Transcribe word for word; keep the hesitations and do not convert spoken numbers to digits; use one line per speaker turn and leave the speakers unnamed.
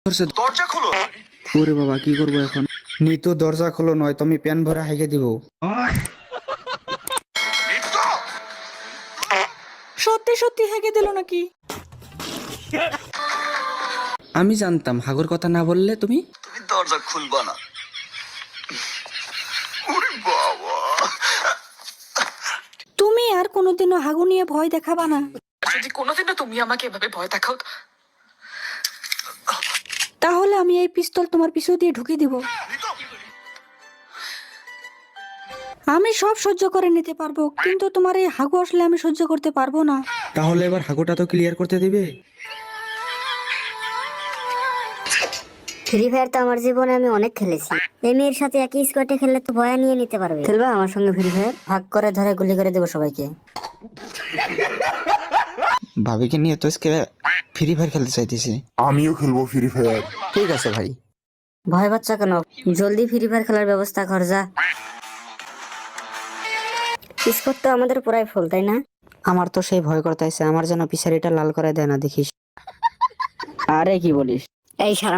দরজা খোলো।
ওরে বাবা কি করবো এখন? নিতু দরজা খোলো নয় তুমি প্যান ভরে হাইকে দিব।
সত্যি সত্যি হেগে দিল নাকি?
আমি জানতাম হাগুর কথা না বললে তুমি।
তুমি দরজা খুলবা না। ওরে বাবা,
তুমি আর কোনোদিনও হাগু নিয়ে ভয় দেখাবা না।
যদি কোনোদিনও তুমি আমাকে এভাবে ভয় দেখাও
তাহলে আমি এই পিস্তল তোমার পিছু দিয়ে ঢুকিয়ে দিব। আমি সব সহ্য করে নিতে পারবো, কিন্তু তোমার এই হাগু আসলে আমি সহ্য করতে পারবো না।
তাহলে এবার হাগুটা তো ক্লিয়ার করতে দিবে।
ফ্রি ফায়ার তো আমার জীবনে আমি অনেক খেলেছি। এই মেয়ের সাথে একই স্কোয়াডে খেললে তো ভয় নিয়ে নিতে পারবে। খেলবা আমার সঙ্গে ফ্রি ফায়ার? ভাগ করে ধরে গুলি করে দেবো সবাইকে।
ভাবিকে নিয়ে তো আজকে ফ্রি ফায়ার খেলতে চাইতেছি।
আমিও খেলবো ফ্রি ফায়ার।
ঠিক আছে ভাই।
ভয় বাচ্চা কেন, জলদি ফ্রি ফায়ার খেলার ব্যবস্থা কর যা। স্কোয়াড তো আমাদের পুরাই ফুল, তাই না?
আমার তো সেই ভয় করতেছে, আমার যেন পিছারিটা লাল করে দেয় না দেখিস।
আরে কি বলিস, এই সারা